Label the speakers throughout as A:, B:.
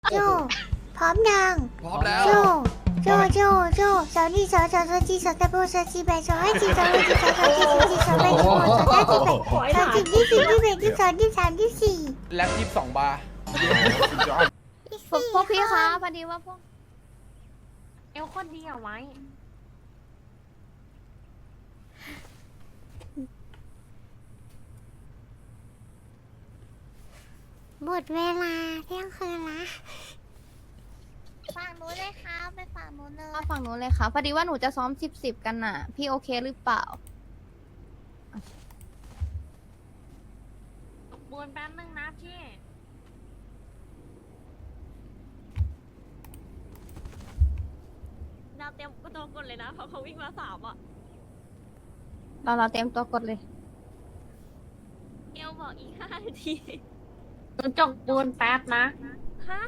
A: โจพร้อมยัง
B: พร้อมแล้ว
A: โจสาวนี่สาวจีสาวตะโบสาวจีแบสาวให้จีสาวให้จีสาวจีสาวแบสาวสาวจีแบสาวจีที่สี่ที่แบที่สองที่สามที่สี่
B: แล็บ22 บาร์
C: พวกพี่คะพอดีว่าพวก
D: เอลคนดีเอาไว้
A: หมดเวลาเที่ยงคืนละ
C: ฝั่งนู้นเลยค่ะไปฝั่งนู้นเลยฝั่งนู้นเลยค่ะพอดีว่าหนูจะซ้อม10กันน่ะ พี่โอเคหรือเปล่า
D: บูนแป๊บนึงนะพี่ ดาวเต็มก็ตัวกดเลยนะเพราะเขาวิ่งมา3อ่ะ
C: เราเตรียมตัวกดเลย
D: เอลบอกอีก5 นาทีจกบูนแป๊บนะ ฮะ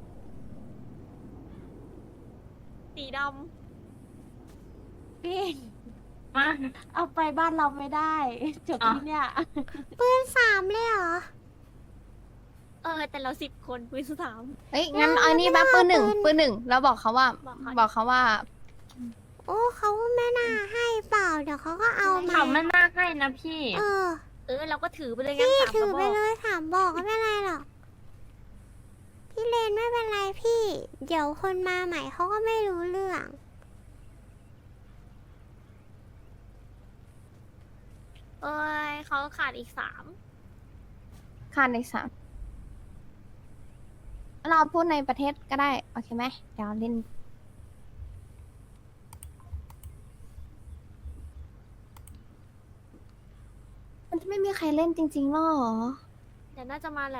D: สีดำพี่มา
E: เอาไปบ้านเราไม่ได้จบที่เนี่ย
A: ปืนสามเลยเหรอ
D: แต่เรา10 คนปืน3
C: เฮ้ยงั้นเอานี่แบบปืนหนึ่งแล้วบอกเขาว่า บอกเขาว่า
A: โอ้เขาไม่น่าให้เปล่าเดี๋ยวเขาก็เอามา
D: เขาไม่น่าให้นะพี่ เราก็ถือไปเลยงั้น
A: พี่
D: 3
A: ถื
D: ก
A: อ
D: ระบ
A: ไป
D: อก
A: เลยถามบอกก็ไม่เป็นไรหรอกพี่เลนไม่เป็นไรพี่ เดี๋ยวคนมาใหม่เขาก็ไม่รู้เรื่อง
D: เขาขาดอีก3
C: ขาดในสามเราพูดในประเทศก็ได้ โอเคไหมเดี๋ยวเล่น มันจะไม่มีใครเล่นจริงๆหรอ
D: เดี๋ยวน่าจะมาแหละ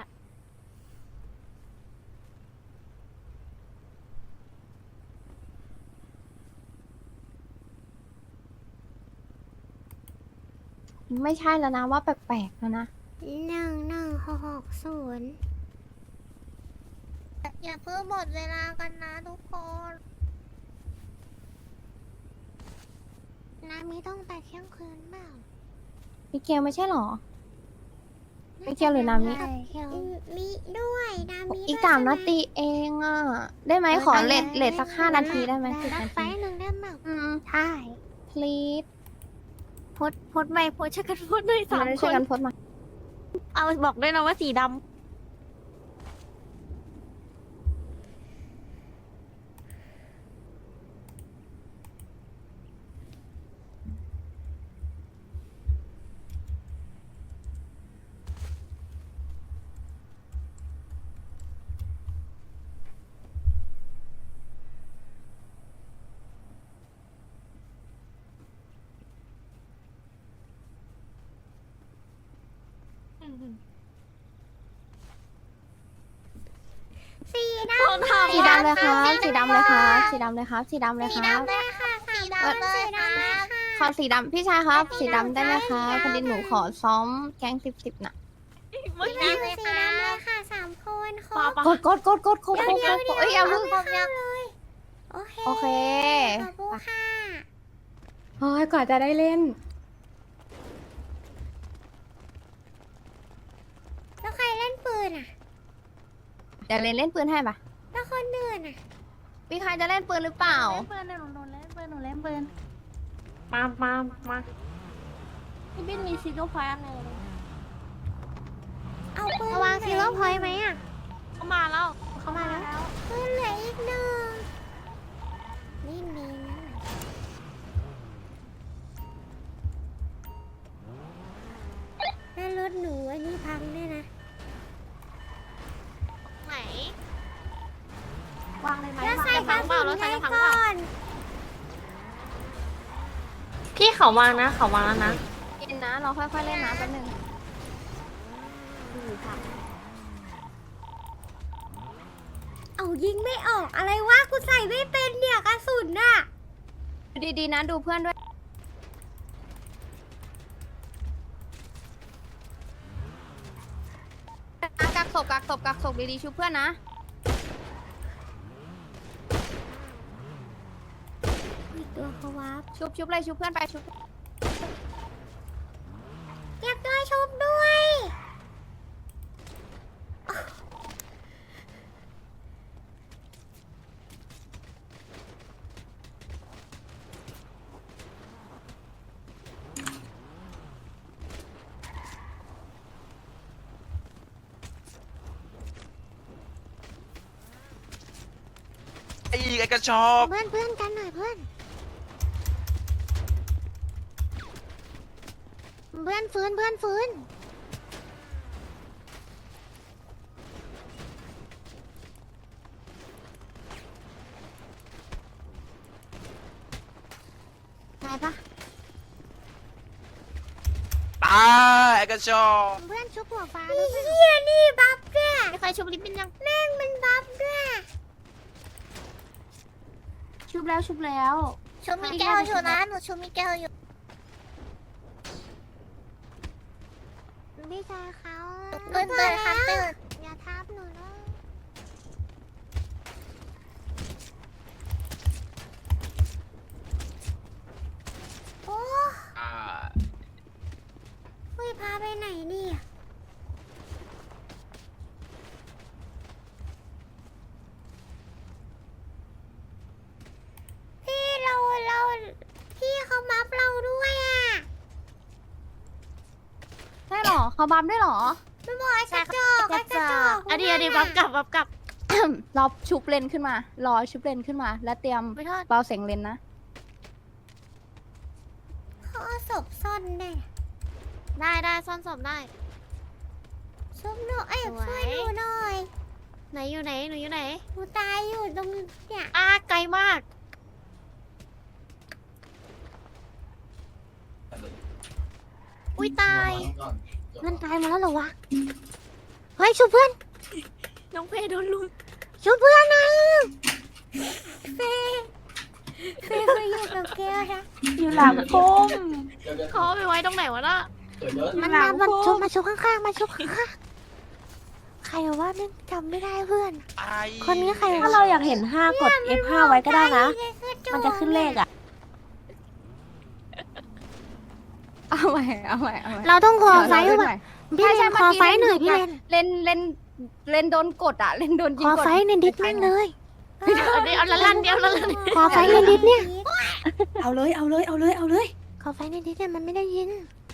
C: ไม่ใช่แล้วนะว่าแปลกๆแล้วนะ
A: 1160
C: อย่าเพิ่งหมดเวลากันนะทุกคน
A: น้ำมีต้องแต่เที่ยงคืนเปล่า
C: มิเกลไม่ใช่หรอ มิเกลหรือนามิ
A: มีด้วยน้ำมี
C: อีก
A: ด้วย
C: 3 นา
A: ใช่ไห
C: ทีเองอ่ะ ได้ไหมขอเลทสัก5 นาทีได้ไหม10
A: นับ
C: นา
A: ไป
C: ที
A: หนึ่งได้ไหม
C: ใช่ please
D: พดไม่พดช่วยกันพดด้วย
C: เราได้
D: 3 ค
C: ช่วย
D: น
C: กันโพสต์มา
D: เอาบอกด้วยนะว่าสีดำ
A: สีด
D: ต้องทำ
C: สีดำเลยครับ สีดำเลยครับ สีดำเลยครับ สีดำเลยครับ
A: ำเลยค่ะสีดำเลยค่ะ
C: ขอสีดำพี่ชายครับ สีดำได้ไหมคะพอดีหนูขอซ้อมแก๊ง10น่ะ
D: เมื่อ
A: สี
D: กี้
A: ดำเลยค่ะ3 คนครบ
C: กดเอ้ยเอาเพิ่ง
A: เลยโอเค
C: โอเค
A: ขอบคุณค่ะ
C: โอ้ยกว่าจะได้เล่น
A: แล้วใครเล่นปืนอ่ะ
C: เดี๋ยวเล่นปืนให้ปะ
A: แล้วคนอื่นอ่ะ
C: มีใครจะเล่นปืนหรือเปล่า
E: เล่นปืนหนูเล่นปืนหนูเล่นปืน
D: มา
E: พี่บินมีซิโก้พอยต์อันหนึ่ง
A: เอาปืนวางซีโร่พอยต์ไหมอ่ะ
D: เขามาแล้ว
A: เขามาแล้วปืนเหลืออีกหนึ่งนี่มีนะแล้วรถหนูอันนี้พังด้วยนะ
D: ไหน
E: วางเลยไหม
A: แล้วใส่กระ
D: เปล่า
A: สุน
D: แล้วใส่
A: ให้
D: กระสุน
A: ก่อน
D: พี่เขาวางนะเขาวางแล้วนะ
C: เล่นนะ เราค่อยๆเล่นนะแป๊บนึง
A: เอายิงไม่ออกอะไรวะกูใส่ไม่เป็นเนี่ยกระสุนน่ะ
C: ดูดีๆนะ ดูเพื่อนด้วยกักศพดีๆชูเพื่อนนะ
A: อีกตัวเขาวับ
C: ชุบเลยชุบเพื่อนไปชุบ
A: อยากด้วยชุบด้วย
B: อีกไอ้กระชอก
A: เพื่อนกันหน่อยเพื่อนฟื้นตายปะ
B: ตายไอ้กระชอก
A: เพื่อนชุบหัวฟ้าแล้วเฮียนี่บัฟด้วย
D: มีใครชุบลิปเป็นยัง
A: แม่งมันบัฟด้วย
E: ชุบแล้วชุบแล้ว
A: ชุบมีแก้วอยู่นะหนูชุบมีแก้วอยู่พี่ชายเขาเตือนค่ะเตือนอย่าทับหนูนะโอ้
B: อ่า
A: เฮ้ยพาไปไหนนี่พี่เราพี่เขาบัฟเราด้วยอ่ะ
C: ใช่หรอเขาบัมด้วยหรอ
A: ไม่บอกไอ้กระจอกไอ้กระจอก
D: อันนี้บัฟกลับ
C: รอชุบเลนขึ้นมารอชุบเลนขึ้นมา แล้วเตรียม
D: ไม่ทอด
C: เบาเสียงเลนนะ
A: เขาเอาศพซ่อนได้
D: ได้ซ่อนศพได้
A: ชุบหนูเอ้ย
D: สวย
A: ช่วยหนูหน่อย
D: ไหนอยู่ไหนหนูอยู่ไหน
A: หนูตายอยู่ตรงเนี่ย
D: ไกลมาก อุ้ยตาย
A: มันตายมาแล้วเหรอวะเฮ้ยชุบเพื่อน
D: น้องเพโดนลุม
A: ชุบเพื่อนนะเฟ่ไปอยู่กับแกนะ
E: อยู่หลังพุ่ม
D: เขาเอาไปไว้ตรงไหนวะน่ะ
A: มันมาชุบข้างๆมาชุบข้างๆใครว่าไม่จำไม่ได้เพื่อน
B: ไอ้
A: คนนี้ใคร
E: ถ้าเราอยากเห็น 5 กด F5 ไว้ก็ได้นะ มันจะขึ้นเลขอ่ะ
C: เอาใหม่
A: เราต้องคอไฟ
C: เดี๋ยว
A: ว่ะ
C: เรา
A: พี่
C: ใช่
A: เล
C: ใช่
A: นคอไฟหน่อยพี่เลน
C: เลนโดนกดอ่ะ เลนโดนยิ
A: ค
C: ง
A: อก
C: ด
A: ไฟในดิสแม่งเลย
D: เอาละลั่นเดียวละลั่น
A: คอไฟในดิสเนี่ย
E: เอาเลย
A: คอไฟในดิสเนี่ยมันไม่ได้ยิน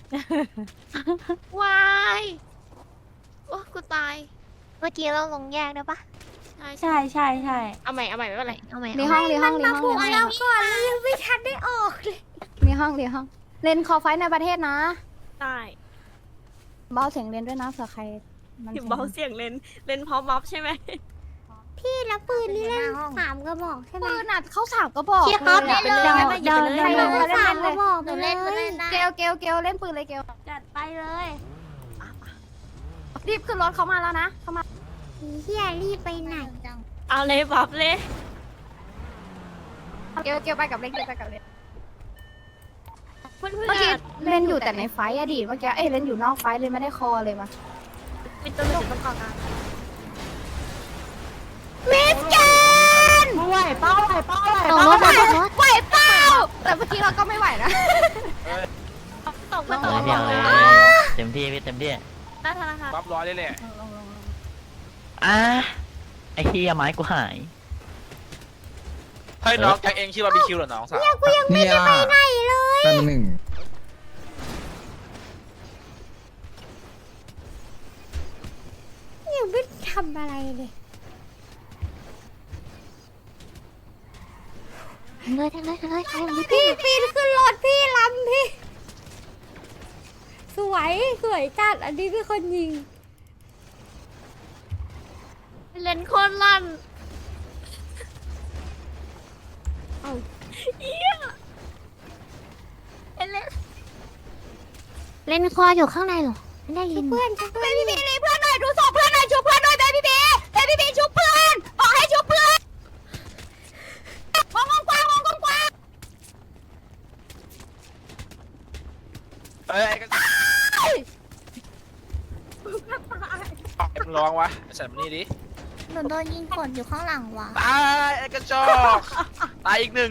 D: วายโอ้กูตาย
A: เมื่อกี้เราลงแยกได้ปะ
E: ใช่ใช่ใช่
D: เอาใหม่ไม่เป็นไรเอาใหม่
C: รีห้องรีห้องรีห้อง
A: ก่อนเรายังไม่ทันได้ออกเลย
C: รีห้องเลนคอไฟในประเทศนะ
D: ได้
C: เบาเสียงเลนด้วยนะเผื่อใครมัน
D: เบาเสียงเล่นพร้อมบัฟใช่ไหม
A: พี่แล้วปืนนี่เล่น3 กระบอกใช่ไหม
C: ปืนอ่ะเขาสามก็บอก
A: พี่ครับ
C: เลย
A: เล่น
C: อะ
A: เลย
E: เดิน
C: ใคร
E: เล
C: เลย
E: ย
A: 3 กระบอกเลย
C: เกลเล่นปืนเลยเกล
E: จัดไปเลย
C: รีบขึ้นรถเขามาแล้วนะเขามา
A: เฮียรีบไปไหน
D: เอาเลยบัฟเลย
C: เกลไปกับเล่นเกลไปกับเล่น
D: เพื่อน
C: เมื่อกี้เล่นอยู่แต่ในไฟอะดีเมื่อกี้เล่นอยู่นอกไฟเลยไม่ได้คอเลยมา
D: เป็นตัวหลุดมันก่อนนะ
A: มิสแกน
E: ไหวเป้า
A: ตกรถ
C: ไหวเปล่าแต่เมื่อกี้เราก็ไม่ไหวนะ
D: ตกมาต
F: เอา
D: ก
F: เลยพี่เอาเลยเต็มที่พี่เต็มที่
D: หน้าธนาคาร
B: บัฟร้อยเลยแหละ
F: อ่ะไอ้เฮียไม้กูหาย
B: เฮ้ยน้องแกเองชื่อบาร์บีคิวเหรอน้องสาว
A: กูยังไม่ได้ไปไหนเลย
G: แป๊บหนึ่ง
A: ยังไม่ทำอะไรเลยเลยพี่ปีนขึ้นรถพี่ลำพี่สวยจัดอันนี้เป็นคนยิง
D: เล่นโคนลั่น
A: เล่นคออยู่ข้างในเหรอไม่ได้ยินเพื่อนเบบี้บีเพื่อนหน่อยดูศพเพื่อนหน่อยชุบเพื่อนหน่อยเบบี้บีชุบเพื่อนบอกให้ชุบเพื่อนมองกว้าง
B: เอ้ยไอ้กระชอกมึงร้องวะไอ้สัตว์มันนี่ดิ
A: หนูโดนยิงกดอยู่ข้างหลังว่ะ
B: ตายไอ้กระจอกตายอีกหนึ่ง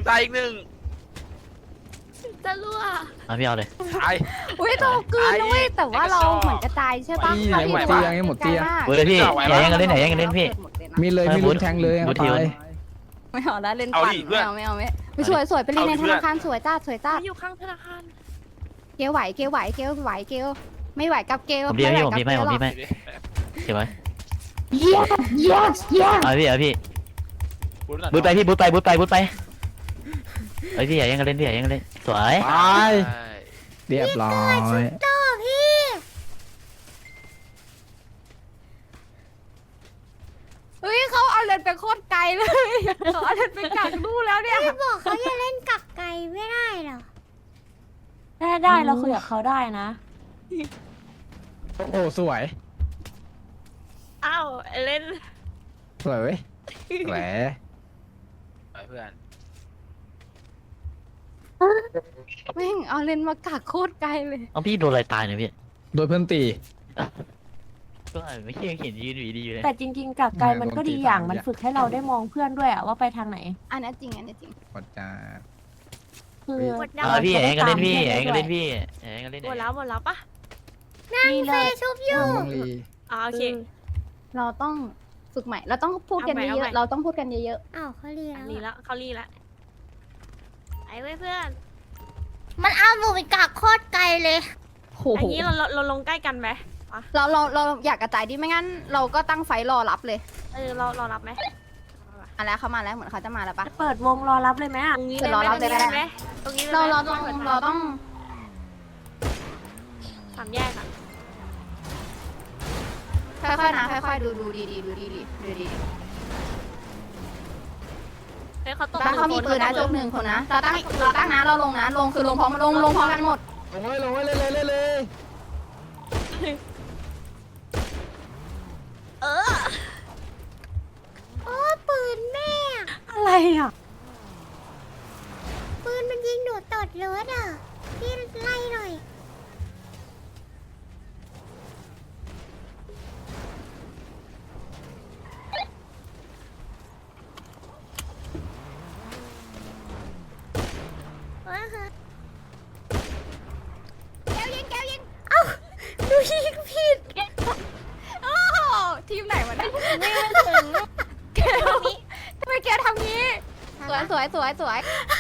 D: จะรั่ว
F: มาพี่เอาเลย
B: ตาย
C: อุ้ยโตกืนด้วยแต่ว่าเราเหมือนจะตายใช่ปะ
G: นี่ไหนหมดเตียงนี่หมดเตียง
F: เว้ยพี่อย่าแย่งกันเล่นอย่าแย่งกันเล่นพี่
G: มีเลยมีลุ้นแทงเลย
F: บู
G: เอา
F: ททิว
G: ตาย
C: ไม่เอาแล้วเล่นปั่นไม่เอาไม่สวยไปเล่นในธนาคารสวยจ้า
D: อยู่ข้างธนาคาร
C: เกลไหวไม่ไหวกับเกล
F: ผมดีไหมผมดีไหมผมดีไหม
B: ดูดิ
F: เก็บไว้
A: yes
F: เอาพี่เอาพี่บูทไปพี่บูทไปบูทไปบูทไปเฮ้ยพี่อย่ายังกันเล่นพี่อย่ายังกันเล่นสวย
G: ไปเรียบร้อย
A: ต่อพี่
C: เฮ้ยเขาเอาเลนไปโคตรไกลเลยเขาเอาเลนไปกักนู่นแล้วเนี่ย
A: พี่บอกเขาจะเล่นกักไก่ไม่ได้เหรอ
E: ได้เราคุยกับเขาได้นะ
G: โอ้โหสวย
D: อ้าวเล่น
G: สวยเว้ยแหม
B: ไปเพื่อน
C: แม่งเอาเลนมากักโคตรไกลเลย
F: เอาพี่โดนอะไรตายเนี่ยพี่
G: โดยเพื่อนตี
F: ก็ไม่ใช่เห็นยืนอยู่ดีๆอยู่เลย
E: แต่จริงๆกับไกลมันก็ดีอย่างมันฝึกให้เราได้มองเพื่อนด้วยอะว่าไปทางไหน
C: อันนี้จริงอันนี้จริง
G: กดจ้า
E: คือ
F: พี่อย่ายังกันเล่นพี่อย่ายังกันเล่นพี่อย่ายังกันเล่น
D: หมดแล้วปะ
E: นี่เลย
A: ชุบอยู่
G: น้องลี
D: โอเค
C: เราต้องฝึกใหม่ เราต้องพูดกัน
D: เอา
C: เย
D: ใหม่
C: อะๆเราต้องพูดกันเยอะ
A: อ้าวเขาเรียน
D: รีแล้วเขารีแล้วไอ้เว้ยเพื่อน
A: มันเอาหนูไปกักโคตรไกลเลย
C: ๆโห
D: อันนี้เราลงใกล้กันไหม
C: เราอยากกระจายดิไม่งั้น เราก็ตั้งไฟรอรับเลย
D: เรารับไหม
C: มาแล้วเขามาแล้วเหมือนเขาจะมาแล้วปะ
E: เปิดวงรอรับเลยไหม
D: ต
E: อะ
D: รงนี้
C: เดี๋ยวรอรับเลยก็ได้
D: ตรงนี้
C: เราต้อง
D: สามแยกอ่ะ
C: ค่อยๆนะค่อยๆดูดีๆดูดี
D: เฮ้ยเขาตก
C: ๆถ้าเขามีปืนนะจบหนึ่งคนนะเราตั้งนะเราลงนะลงคือลงพร้อมลงพร้อมกันหมด
G: ลงไว้ลงไว้เลย
A: โอ้ปืนแม่
E: อะไรอะ
A: ปืนมันยิงหนูตดรถอ่ะพี่ไล่หน่อย
C: แก้วยิงเอ้าดูยิงผิดโอ้โหทีมไหนวะเนี่ยไม่ถึงแก้วทำไมแกทำงี้สวย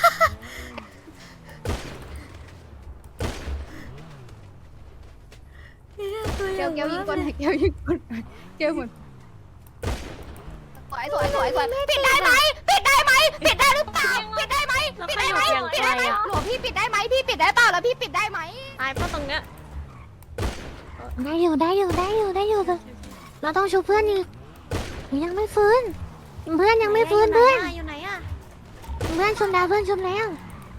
C: เกลยิงก่อนเกลยิงก่อนเกลหมุนสวยปิดได้ไหมปิดได้หรือเปล่าปิดได้ไหมหลวงพี่ปิดได้ไหมพี่ปิดได้เปล่าแล้วพี่ปิดได้ไหม
D: ตายเพราะตรงเนี้ย
A: ได้อยู่เราต้องชูเพื่อนอีกหนูยังไม่ฟื้นเพื่อนยังไม่ฟื้นเพื่อน
D: อยู่ไหนอ่ะ
A: เพื่อนชมดาวเพื่อนชมแล้ว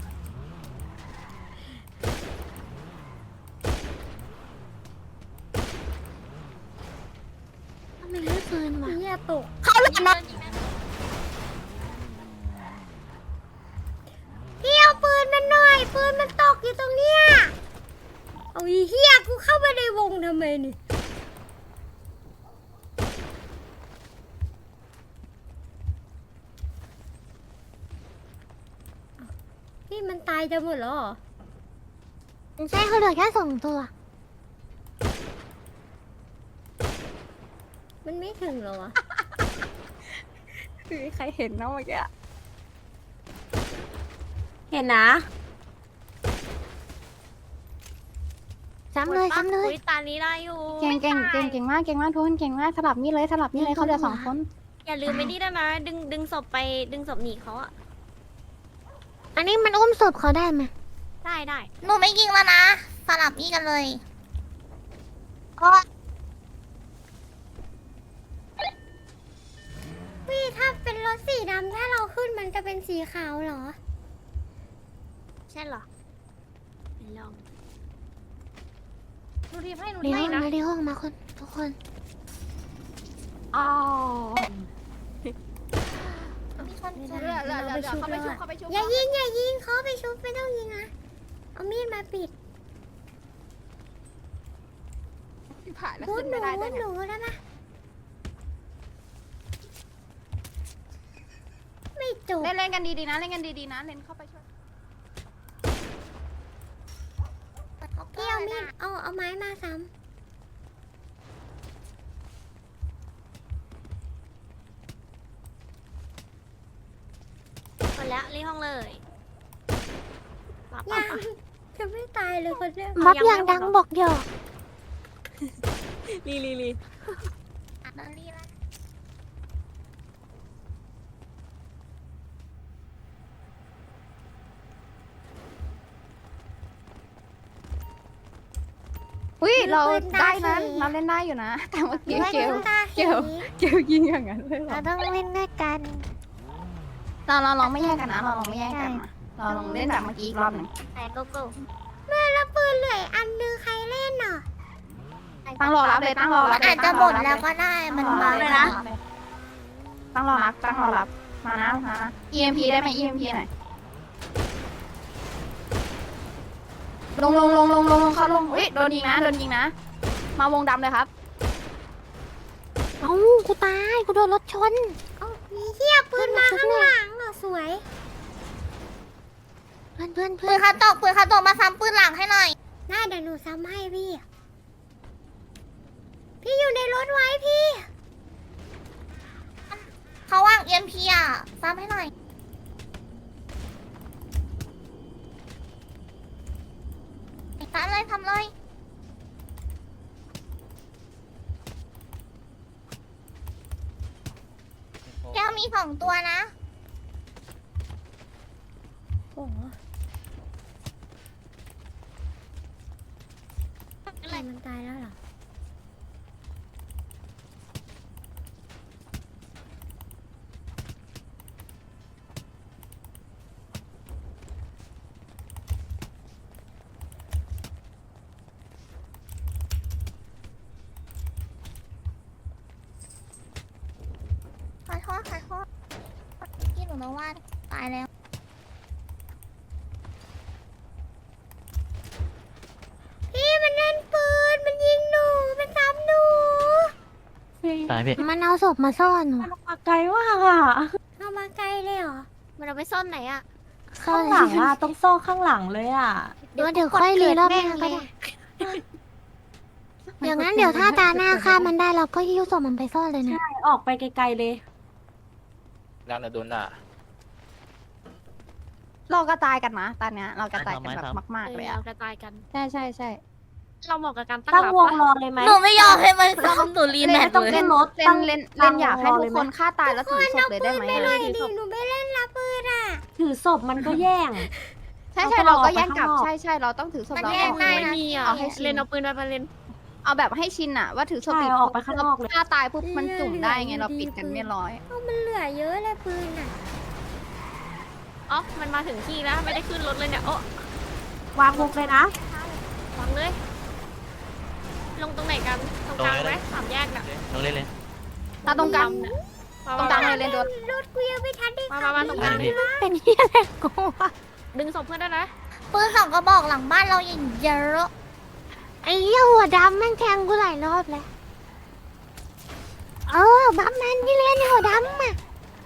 A: ทำไมไม่ฟื้นวะ
C: เนี่ยตกเขาหลุดนะ
A: พี่เอาปืนมันหน่อยปืนมันตกอยู่ตรงเนี้ยเอาอีเหี้ยกูเข้าไปในวงทำไมนี่พี่มันตายจะหมดแล้วเหรอใช่เขาเหลือแค่2 ตัว มันไม่ถึงเหรอวะ
C: มีใครเห็นนะเมื่อกี้
E: เห็นนะ
A: ซ้ำเลย
D: อุ๊ตานี้ได้อยู่
C: เก่งมากทุกคนเก่งมากสลับนี่เลยเขาเหลือ2 คน
D: อย่าลืมไปนี่ด้วยนะดึงศพไปดึงศพหนีเขาอ่ะ
A: อันนี้มันอุ้มศพเขาได้ไหม
D: ได้
A: หนูไม่ยิงแล้วนะสลับนี่กันเลยพี่ถ้าเป็นรถสีดำถ้าเราขึ้นมันจะเป็นสีขาวเหรอ
D: ใช่เหรอไปลอง
C: หนูทีมให้หนู
A: ใน
C: ทีม
A: ห้
C: ให้
A: อง
C: นะ
A: มาในห้องมาคนทุกคน
C: อ๋อ
A: มีคน
C: เหลือเขาไปชุบ
A: อย่ายิงเขาไปชุบไม่ต้องยิงนะเอามีดมาปิด
C: ผ่านแล้ว
A: พูด
C: ขึ้น
A: หนู
C: ไม่ได้ด้วย
A: หนูได้ปะไม่จบ
C: เล่นกันดีๆนะเล่นเข้าไปช่วย
A: พี่เอามีดเอาไม้มาซ้ำ
D: หมดแล้วรีห้องเลยรับ
A: ยังจะไม่ตายเลยคนเนี้ย
D: บัฟอย่างดังบอก
A: หยอก
D: รี
A: รีละ
D: หมดแล้ว
A: รีบ
D: รี
A: รี
D: รี
A: รี
D: รี
A: รี
D: หมดแล้ว
C: อุ้ยเราได้นั้นเราเล่นได้อยู่นะ แต่เมื่อกี้เกลยิงอย่างนั้นเลยเหรอ
A: เราต้องเล่นด้วยกัน
C: เราลองไม่แยกกันนะเราลองไม่แยกกันนะเราลองเล่นแบบเมื่อกี้อีกรอบหนึ่ง
A: แต่โกโก้แม่แล้วปืนเหลืออันนึงใครเล่นอ่ะ
C: ตั้งรอรับเลยตั้งรอรับ
A: อาจจะหมดแล้วก็ได้มันมาเลยนะ
C: ตั้งรอรับมานะ EMP ได้ไหม EMP หน่อยลงเขาลงอุ้ยโดนยิงนะมาวงดำเลยครับ
A: เอ้ากูตายกูโดนรถชนเอ้ามีเหี้ยปืนมาข้างหลังเหรอสวยเพื่อนปืนคาโตกมาซ้ำปืนหลังให้หน่อยน่าเดี๋ยวหนูซ้ำให้พี่อยู่ในรถไว้พี่เขาว่าง EMP อ่ะซ้ำให้หน่อยทำเลยแก้วมี2 ตัวนะโอ้อะไรมันตายแล้วเหรอขอโทษพี่หนูนึกว่าตายแล้วพี่มันเล่นปืนมันยิงหนูมันซ้ำหนู
F: ตายพี่
A: มันเอาศพมาซ่อนหนู
E: มันมาไกลมากอ่ะ
A: เอามาไกลเลยเหรอมันเอาไปซ่อนไหนอะซ่อ
E: ข้าน งหลังอ่ะต้องซ่อข้างหลังเลยอ่ะ
A: เดี๋ยวค่อยรีรอบหน้าก็ได้อย่างนั้นเดี๋ยวถ้าตาหน้าฆ่ามันได้เราก็ยิ้วศพมันไปซ่อนเลยนะ
E: ออกไปไกลๆเลย
B: ร่างนะโดนด่า
C: เรากระจายกันนะตอนเนี้ยเรากระจายกันแบบมากๆเลยอะ
D: เรากระจายกัน
C: ใช่
D: เราเหมาะกับการตั้ง
E: ตั้ง
D: รับ
E: วง
D: ปะ
E: รอเลยไหม
A: หนูไม่ยอมให้มันซ้ำหนูรีแมท
E: ต้อง
A: เลย
E: ขึ้นรถ
C: เล่นอยากให้ทุกคนฆ่าตายแล้วถือศพเลยได้ไหม
A: หนูไม่เล่นละปืนอ่ะ
E: ถือศพมันก็แย่ง
C: ใช่เราก็แย่งกลับใช่เราต้องถือศพ
A: มัน
C: เรา
A: แย่งได้
D: ไม่มีอ่ะ
C: เอาให้ชิน
D: เล่นเอาปืนไปเล่น
C: เอาแบบให้ชินอะว่าถือศพ
E: ใช่
C: ปิด
E: เอาออกไปข้างนอกเลย
C: ฆ่าตายปุ๊บมันจุ่มได้ไงเราปิดกันไม่ร้อย
A: มันเหลือเยอะเลยปืนอ่ะ
D: อ๋อมันมาถึงที่แล้วไม่ได้ขึ้นรถเลยเนี่ยโอ้
E: วางวงเลยนะ
D: วางเลย ลงตรงไหนกันตรงกลางไหม3 แยกน่ะ
F: ต้องเล่นเลย
C: ตาตรงกลาง
D: เนี่ย
C: ตรงกลางเลยเล่นรถ
A: รถกูยังไม่ทันได้
D: มาตรงกลาง
F: นี่
A: เป็นเฮียอะไรกู
D: ดึงศพเพื่อนได้นะ
A: ปืน2 กระบอกหลังบ้านเราอย่างเยอะไอ้เหี้ยหัวดำแม่งแทงกูหลายรอบแล้วบัฟมันที่เล่นหัวดำอ่ะ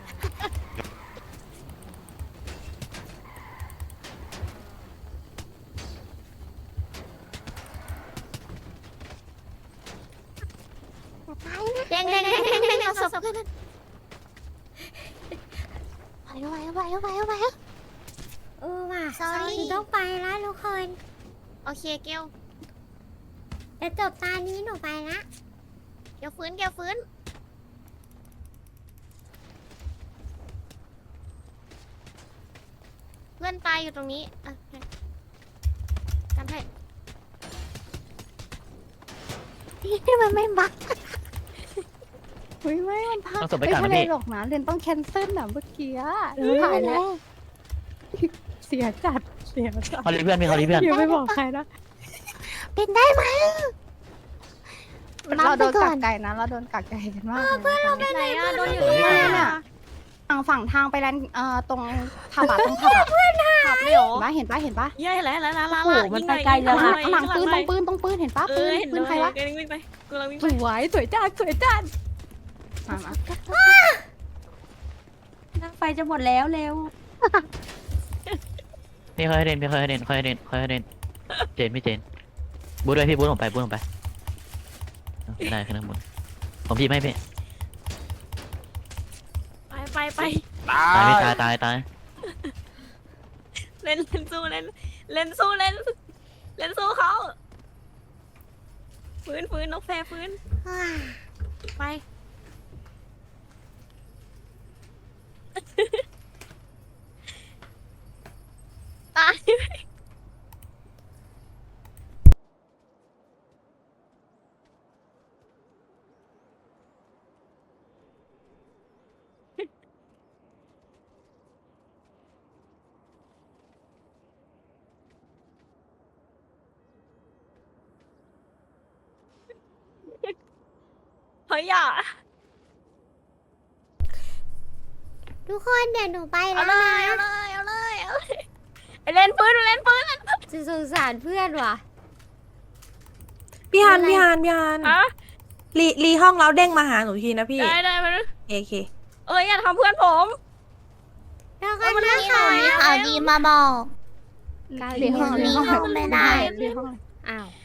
A: เด้งเอาศพเพื่อนไปว่ะต้องไปแล้วทุกคน
D: โอเคเกล
A: จะจบตานี้หนูไปละ
D: เกลฟื้นเพื่อนตายอยู่ตรงนี้กันให้
A: ที่มันไม่บัก
C: เฮ้ยไม่มันพลาด
F: ต้องศพไป
C: ไม่
F: ก่อน
C: ใช่
F: นะ
C: เลย
F: พี่
C: หรอกนะเรนต้องแคนเซิลอะเมื่อกี้ถ่ายแล้วเสียจัด
F: เขาเรียกเพื่อนพี่เขาเรียกเพื่อน
C: อย่าไปบอกใครนะ
A: เป็นได้ไหม
C: เราโดนกักไก่นะเราโดนกักไก่กันมากเพื่อนเราไป
D: ไหนอ่ะโดนอยู่
F: เฮ้
D: ตรง
F: ย
D: ไหน
C: เนี่ย
D: อ่ะ
C: ฝั่งทางไปแลนตรงผับอะตรงผับอะ
D: ขับเลยเหรอ
C: เห็นปะ
D: เย้ยแล้ว
E: โอ้โหมันไปไกลแล้ว
C: ข้าง
E: นะ
C: หลังปืนตรงปืนเห็นปะปืน
D: เห็น
C: ปืนใครวะ
D: กำลังวิ่งไปกำลังวิ่ง
C: ส
D: ไป
C: วยจัดมา
E: นั่งไฟจะหมดแล้วเร็ว
F: พี่เขาให้เด่นเจนพี่เจนบูทเลยพี่บูทลงไปได้ขึ้นข้างบนผมพี่ไม่พี่
D: ไป
B: ตา
F: ตายพี่
B: ย
F: ตาย
D: เล่นสู้เล่นสู้เขาฟื้นนกแฟฟื้นไปตายฮ้ยอย่า
A: ทุกคนเดี๋ยวหนูไป
D: เอา
A: แล้ว
D: เล
A: นะ
D: ยเอาเลยเอาเลยเอาเลยไอเล่นปืนเล่นปืน
A: จะสงสารเพื่อนว่ะ
E: พี่ฮัน
A: อะไร
E: พี่ฮันพี่ฮัน
D: ฮะ
E: รีห้องแล้วเด้งมาหาหนูทีนะพี่
D: ได้มา
E: โอเค
D: เอ้ยอย่าทำเพื่อนผม
A: แล้วกันนะ
D: มี
A: คะ
D: ข่าวดีมาบอก
A: เดี๋ยวห้อง
D: มีห้อง
A: ไม่ได้
D: เดี๋ยวห้อง
A: อ้าว